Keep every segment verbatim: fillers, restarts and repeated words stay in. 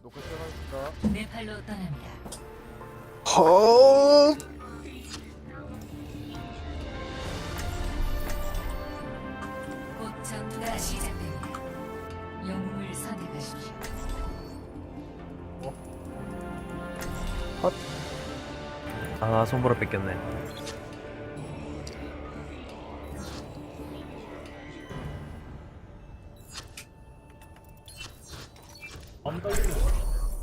녹화 시작하겠습니다. 네팔로 떠납니다. 헐. 곧 전투가 시작됩니다. 영웅을 선택하십시오. 아 손보라 뺏겼네. 안 떨리는 거.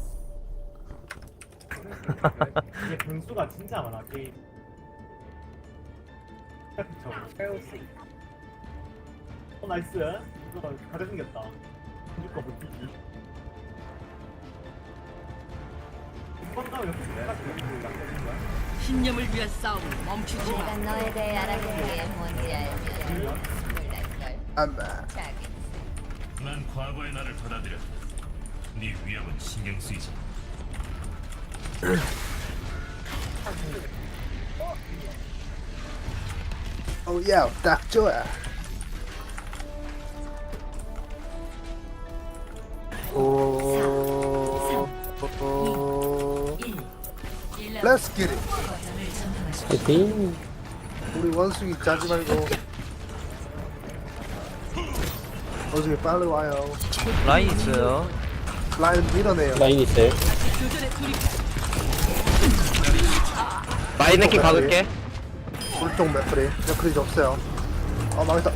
이게 분수가 진짜 많아 게임. 저 페어시. 어 나이스. 이거 가려 생겼다. 이거 못 뛰기. 이번 다음 옆에 내가 지금 낙서인 거야? 신념을 위한 싸움을 멈추지 마. 내가 너에 대해 알아본 게 뭔지 알면 놀랄걸. 안다. 자기 난 과거의 나를 받아들였다. 네 위협은 신경 쓰이지. 오야, 딱 좋아. 오. 오. 일. Let's get it. 거점을 점령하십시오. 파이팅. 우리 원숭이 짜지 말고. 원숭이 빨리 와요. 라인 있어요. 라인 밀어내요. 라인 있어요. 라인 내키 박을게. 불통 맥크리. 맥크리 없어요. 아 망했다.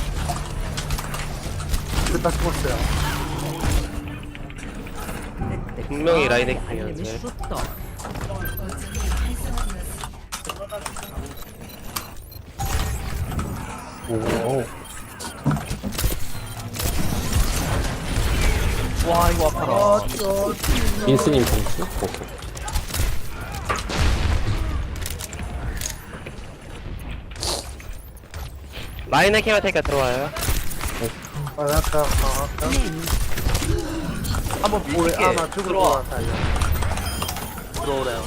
이거 다 죽었어요. 분명히 라인 내키였는데. 거점이 활성화되었습니다. 오. 와 이거 아파라. 민스님 공수? 오케이. 라인 내키만 테니까 들어와요. 아 아까 아 아까. 한번 우리 밀게. 아마 죽을 것 들어와. 같아요. 들어오래요.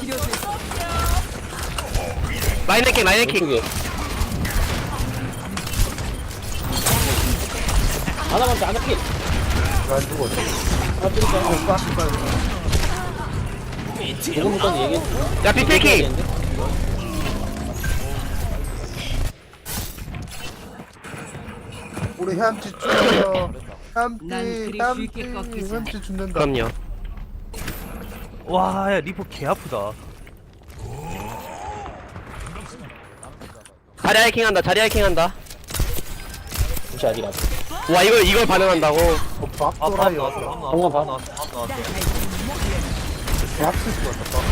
라인 내키 라인 내키. 왼쪽에. 하나 먼저 하나 피. 안 죽었어. 하나 피. 어, 빠스 빨리. 조금부터 얘기해. 야 비필키. 우리 햄찌 죽어요. 난 햄찌, 그리 햄찌, 쉽게 꺾이지 햄찌 죽는다. 그럼요. 와, 야 리포 개 아프다. 자리 하이킹한다. 자리 하이킹한다. 혹시 아직 안. 와 이걸 이걸 반응한다고. 어, 밥 아, 밥 돌아요. 나왔어. 밥 나왔어. 홍어 밥 밥. 나왔어. 밥 나왔어. 밥 쓸 것 같다.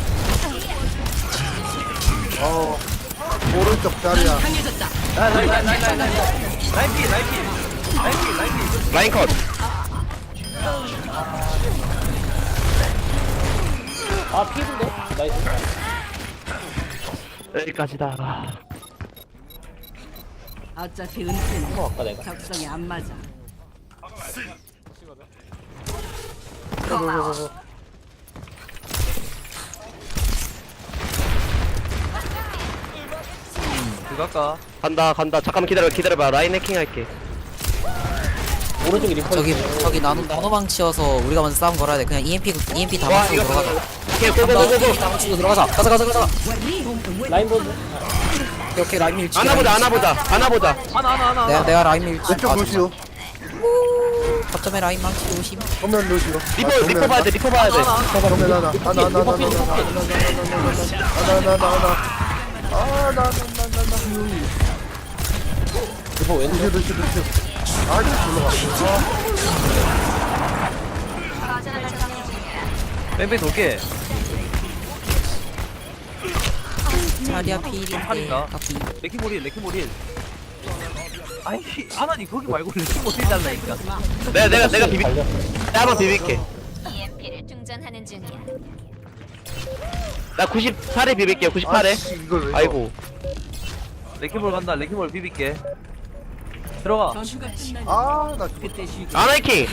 밥. 어, 오른쪽 자리야. 라인 라인 라인 라인 라인 라인. 라인 피 라인 피. 라인 피 라인 피. 라인 컷. 아 피인데? 나이스. 여기까지다. 어차피 은퇴는 홍어 아까 내가. 적성에 안 맞아. 그거 할까? 간다 간다. 잠깐만 기다려 기다려봐. 라인 해킹 할게. 오른쪽에 리퍼. 저기 있어요. 저기 나노 나노방 치어서 우리가 먼저 싸움 걸어야 돼. 그냥 이엠피 이엠피 다 와 맞추고 이거 들어가자. 오케이 나 고고고고. 이엠피 다 맞추고 들어가자. 가자 가자 가자. 라인 보드. 이렇게 라인 밀치. 안아보자 안아보자 안아보자. 하나 하나 하나. 내가 내가 라인 밀치. 왼쪽 루시오. 거점에 라인 망치 조심. 정면 루시오. 리포 아, 리포 정면 봐야 돼 리포 봐야 돼. 정면 하나. 하나, 하나, 하나, 하나, 하나, 하나, 리퍼 피, 하나, 리퍼 피. 하나, 하나, 하나, 하나, 하나. 아, 나, 나, 나, 나, 나. 리퍼 왼쪽. 루시오, 루시오, 루시오. 아, 이거 올라갔어. 뺑뺑 돌게. 자리야 필인데. 팔인가? 카피. 레키몰일 레키몰일. 아이 아나니 거기 말고 레키몰일 달라니까. 내가 내가 내가 비비. 달려. 내가 한번 비빌게. 이엠피를 충전하는 중이야. 나 구십팔에 비빌게요. 구십팔에. 아이씨, 이걸 왜 아이고. 레키몰 간다. 레키몰 비빌게. 들어가. 전투가 끝나면 아, 나 그때 쉬게. 아나이킹.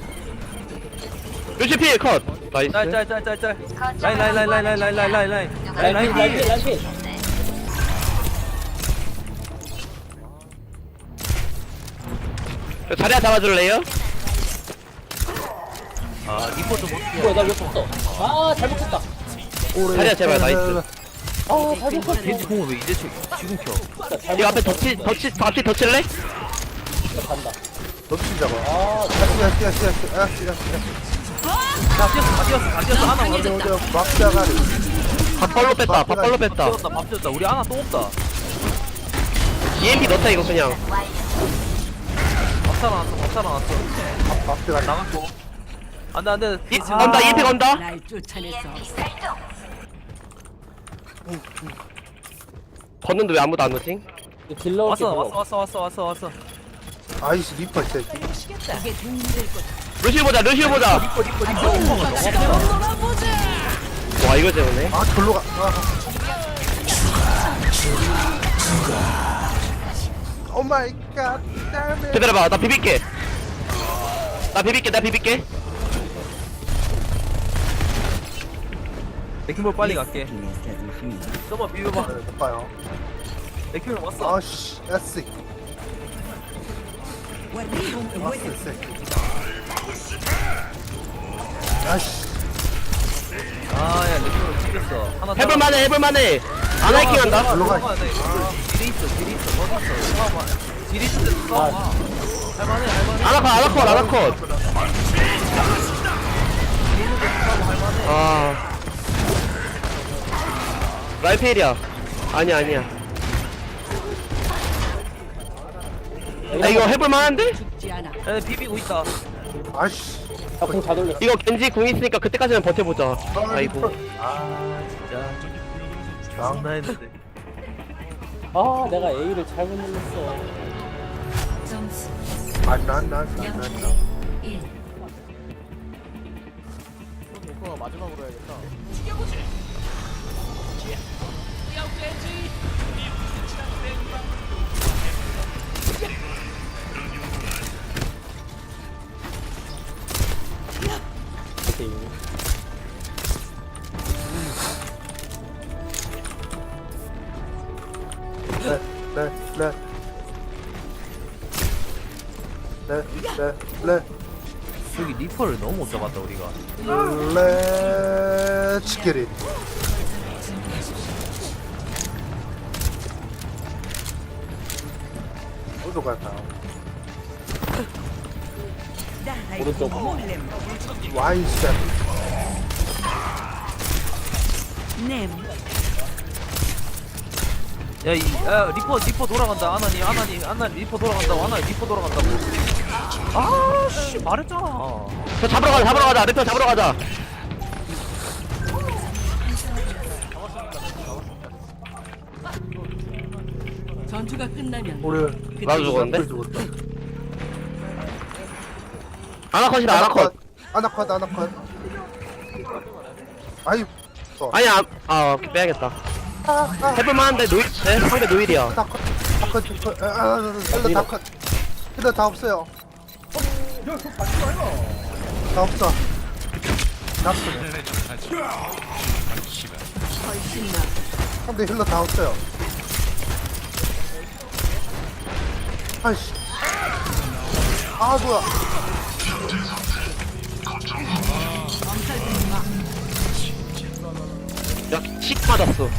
루시필 컷. 나이스. 짤짤짤짤짤. 라인 라인 라인 라인 라인 라인 라인 라인 라인. 라인 라인 라인 피, 라인 피. 자리야 잡아줄래요? 아 리퍼 좀 어떻게 뭐야 나왜 쳤어? 아 잘못했다. 자리야 제발 나이스 아 잘못했어. 겐지 공을 왜 이제 치, 지금 켜 잘못. 이 앞에 덧치 덧치 앞에 덧칠래? 간다. 덮친 잡아. 아 야스 야스 야스 야스 야스 야스. 다 뛰었어 다 뛰었어 다 뛰었어 하나 어디 어디 막자가리. 밥벌로 뺐다 밥벌로 뺐다 밥 뺐다 밥 뺐다 우리 하나 또 없다 이엠피 넣자 이거 그냥 밥 살아났어 밥 살아났어 막자가리. 나갔고 안돼 안돼 이 건다 이엠피 건다 날 쫓아내서 걷는데 왜 아무도 안 오지? 딜러 왔어 왔어 왔어 왔어 왔어 왔어 아이씨 리퍼 진짜. 이게 도움될 거다. 루시오 보자 루시오 보자 와 이거 재밌네 아 절로 가. 아. 오 마이 갓. damn it. 기다려봐 나 비빌게 나 비빌게 나 비빌게 맥힘볼 빨리 갈게 좀만 비벼봐 네, 못 봐요. 맥힘볼 왔어 아씨 야스. 야스 새끼. 아씨. 아야 맥힘볼 죽였어 하나 해볼만해 해볼만해 안 하이킹한다 절로 가. 딜이 있어 딜이 있어 어디 있어 싸워봐 딜이 있을 때 싸워봐 할만해 할만해 아나컷 아나컷 아나컷 아 라이페일이야 아니야 아니야 아 이거 해볼만한데? 죽지 않아. 에 비비고 있다 아씨. 아공다 돌려. 이거 겐지 궁 있으니까 그때까지는 버텨보자 아이고 아 진짜 장난했는데 아 내가 A를 잘못 눌렀어. 점수 난난난난난 일. 오케이. 네네네 네네네 여기 리퍼를 너무 못 잡았다 우리가 Let's get it. 어디로 갈까요? 오른쪽. Y step. 냄. 야이 야, 리퍼 리퍼 돌아간다 아나니 아나니 아나 리퍼 돌아간다 아나 리퍼 돌아간다고 아씨 말했잖아 저 잡으러 가자 잡으러 가자 리퍼 잡으러 가자 전투가 끝나면 우리 나도 죽었는데? 우리 죽었다. 아나컷이다 아나컷 아나컷 아나컷. 아이. 어. 아니야 아 오케이, 빼야겠다 해볼만한데 노일 네, 상대 노일이야 다컷 다컷 다컷. 아, 힐러 다컷. 힐러 다 없어요. 다 없어. 다 없어. 훨씬 나. 상대 힐러 다 없어요. 아이씨. 아 뭐야. 야식 맞았어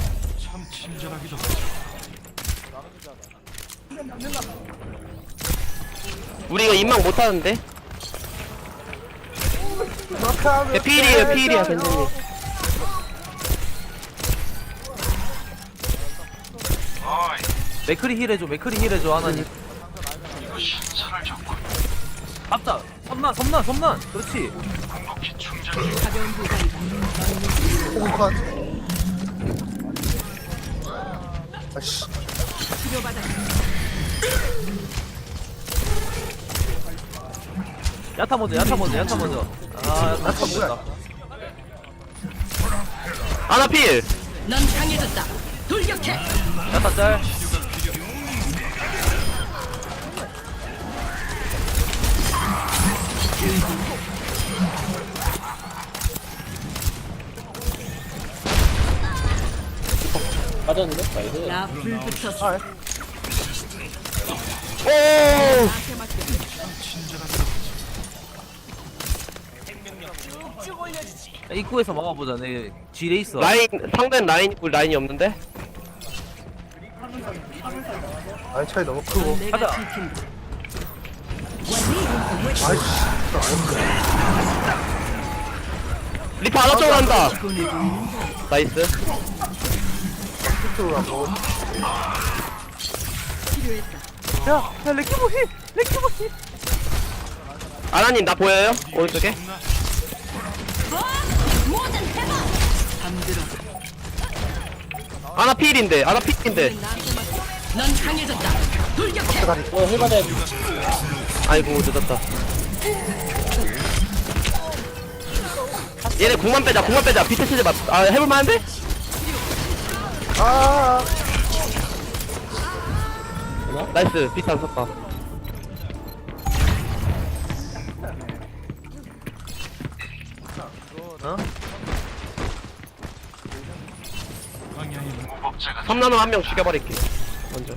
우리 이거 인망 못하는데? 야, 피일이에요 피일이야 괜찮니 맥크리 힐 해줘 맥크리 힐 해줘 하나님 잡자 섬난 섬난 섬난 그렇지 가벼운 부상이다. 호흡컷. 아씨. 치료받아. 야타 먼저 야타 먼저 야타 먼저 아 야타 야타 뭐야? 먼저 아나필 넌 강해졌다. 돌격해. 야타 짤 맞았는데? 나이스. 나 불 붙었어. 아, 오 나한테 맡겨. 입구에서 막아보자. 내 지뢰 있어. 라인 상대는 라인 있고 라인이 없는데? 아이 차이 너무 크고. 넌 내가 가자. 지킨다. 아이씨. 리퍼 하나 쪽으로 한다. 나이스. 툭툭 하고. 필요했다. 야, 야 레키모 힐, 레키모 힐. 아나님 나 보여요? 오른쪽에? 잠들어. 아나 필인데 아나 필인데. 나한테 맡겨. 넌 강해졌다. 돌격해. 어 힐받아야 돼. 아이고 늦었다. 얘네 궁만 빼자 궁만 빼자. 비트 치즈 맞. 아 해볼만한데? 아. 나이스 비트 안 썼다. 어? 삼나노 한 명 죽여버릴게. 먼저.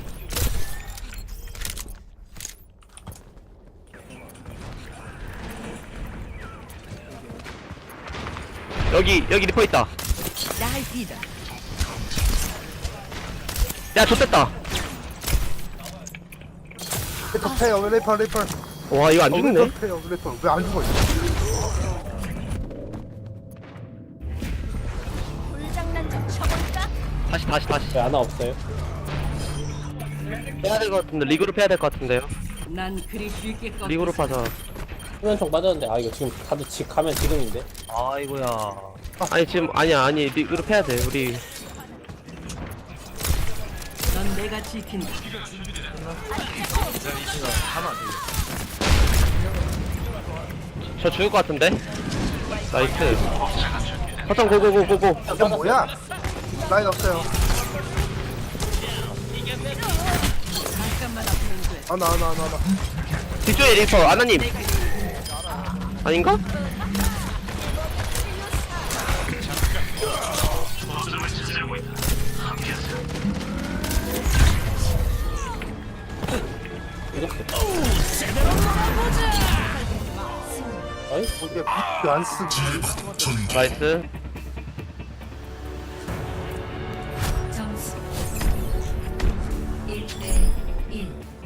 여기 여기 리퍼 있다. 나이다. 야 좋됐다. 레이퍼 패요. 레이퍼 레이퍼. 와 이거 안 죽네. 레이퍼 패요. 레이퍼 왜 안 죽어? 불장난 좀 쳐볼까? 다시 다시 다시. 왜 하나 없어요? 빼야 될 것 같은데 리그룹 해야 될 것 같은데요. 난 그리 쉽게 꺾여. 리그룹 하자. 수면총 맞았는데 아 이거 지금 다들 지 가면 지금인데. 아이고야. 아니 지금 아니야 아니 리그룹 해야 돼 우리. 넌 내가 지킨다. 저 죽을 것 같은데. 나이스. 허정 고고고고고. 이게 뭐야? 라인 없어요. 잠깐만 앞으로 돼. 아나 아나 아나 아나. 뒤쪽에 리퍼 아나님. 아닌가? 어이? 이게 비트 안 쓰기. 나이스. 점수 일 대 일.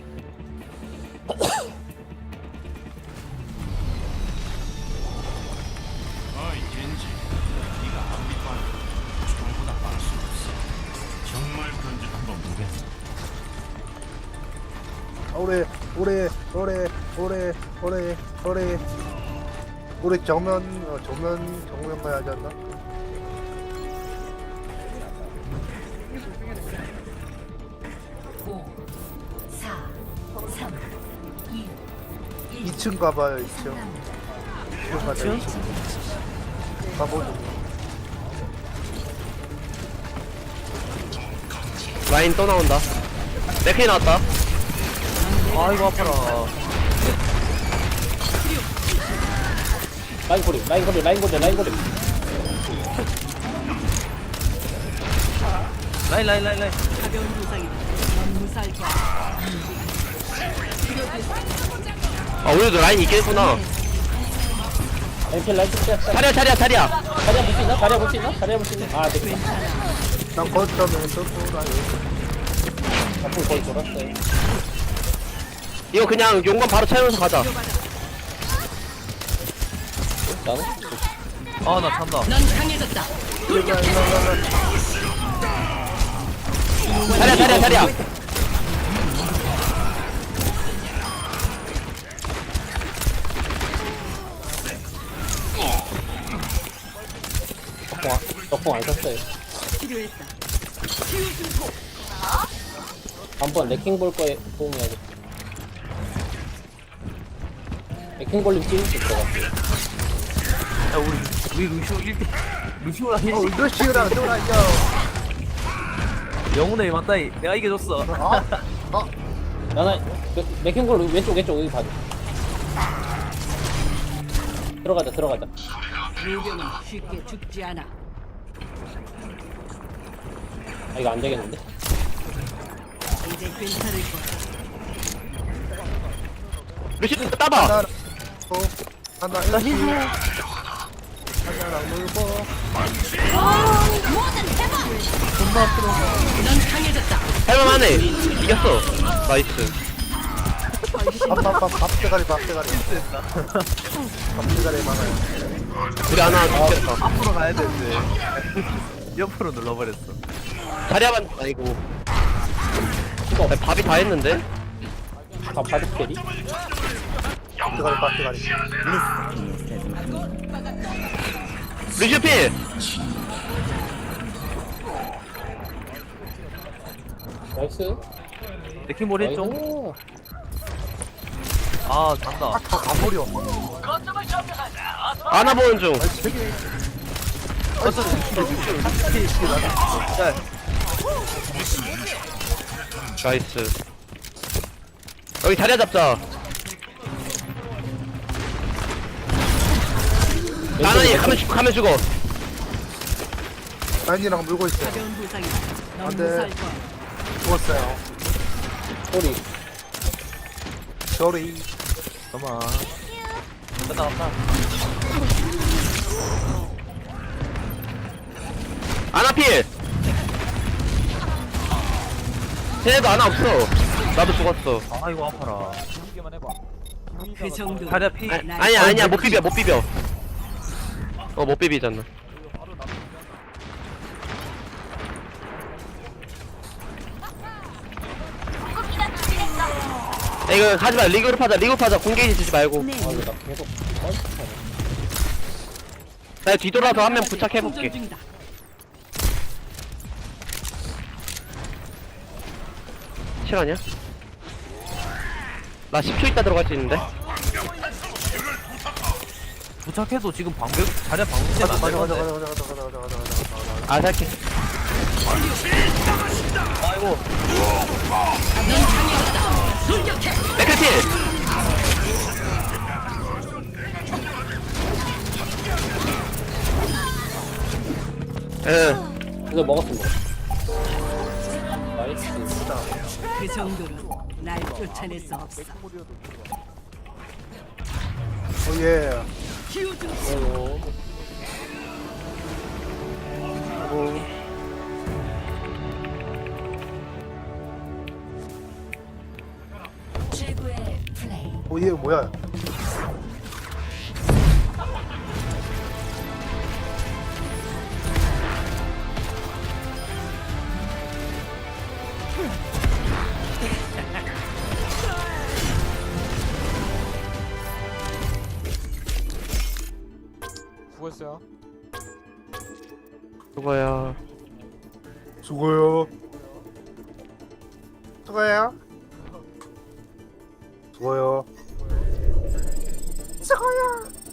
어이 겐지, 네가 아무리 빠르고 총보다 빠를 수 없어. 정말 그런지 한번 보겠어. 오래 오래 오래 오래 오래 오래 오래 정면 어, 정면 정면 가야 하지 않나? 오, 사, 삼, 이, 일. 이 층 가봐요. 이 층. 이 층 가자. 이 층. 가보죠. 라인 또 나온다. 네케이 나왔다. 아이고 아파라. 라인 고리 라인 고리 라인 고리 라인 고리. 라인 라인 라인 라인. 가벼운 부상이다. 넌 무사할 거야. 아 우리도 라인 있겠구나. 라인 필 라인 필. 차려 차려 차려. 자리야 볼 수 있나? 자리야 볼 수 있나? 자리야 볼 수 있나? 아 되겠다. 난 거점에 쏘고 라인. 앞으로 거의 돌았어요. 이거 그냥 용건 바로 채우면서 가자. 나는? 아 나 찬다. 넌 강해졌다. 차려 차려 차려. 덕봉 안, 덕봉 안 썼어요. 필요했다. 한번 레킹 볼 거에 도움해야겠다. 레킹 볼림 찍을 수 있을 것 같아. 야 우리 우리 루시오 일 대 루시오랑 힐. 어, 루시우랑 또라이요. 영혼의 맞다이. 내가 이겨줬어. 아, 아, 나나 그, 레킹 볼 왼쪽 왼쪽 여기 봐줘. 들어가자 들어가자. 무병은 쉽게 죽지 않아. 아 이거 안 되겠는데? 이제 괜찮을 거야. 루시 따봐. 하나, 어, 하나, 나 일치. 힐. 물고. 넌 강해졌다. 할만하네. 이겼어. 나이스. 밥밥밥 밥대가리 밥대가리. 밥대가리 많아요. 우리 하나 죽겠다. 앞으로 가야 되는데 옆으로 눌러버렸어. 자리야만 아니고. 야, 밥이 다 했는데? 다 바둑 캐리? 밥대가리 밥대가리. 루시필! 나이스. 레킹볼 했죠? 나이스. 아 간다. 아 가버려. 안아 보는 중. 어쩌 자, 나이스. 여기 자리야 잡자. 나나니 가면 죽 가면 죽어. 라인이랑 물고 있어요. 가벼운 부상이다. 넌 안 돼. 무사할 거야. 죽었어요. 소리. 저리. 잠깐만. 끝나갔다. 아나필! 쟤네도 아나 없어. 나도 죽었어. 아 이거 아파라. 그 정도. 자리야 피. 아, 아니야 아니야 못 비벼 못 비벼. 어 못 비비잖아. 야, 이거 하지마. 리그룹 하자. 리그룹 하자. 공개지 주지 말고. 아, 이거 나 계속 뻘짓하네. 나 뒤돌아서 한 명 충전 부착해볼게. 중이다. 실화냐? 나 십 초 있다 들어갈 수 있는데? 부착해도 지금 방벽 자리야 방벽 때문에 안 가자 가자 되는데. 가자 가자 가자 가자 가자 가자 가자. 아 살게. 아이고. 맥크필! 응. 이거 먹었습니다. 나이스. 그 정도로 날 쫓아낼 수 없어. 오예. 키워준 아이고. 최고의 플레이. 오예 뭐야? 수고했어요. 그거야. 수고요. 수고해요. 수고요. 수고요.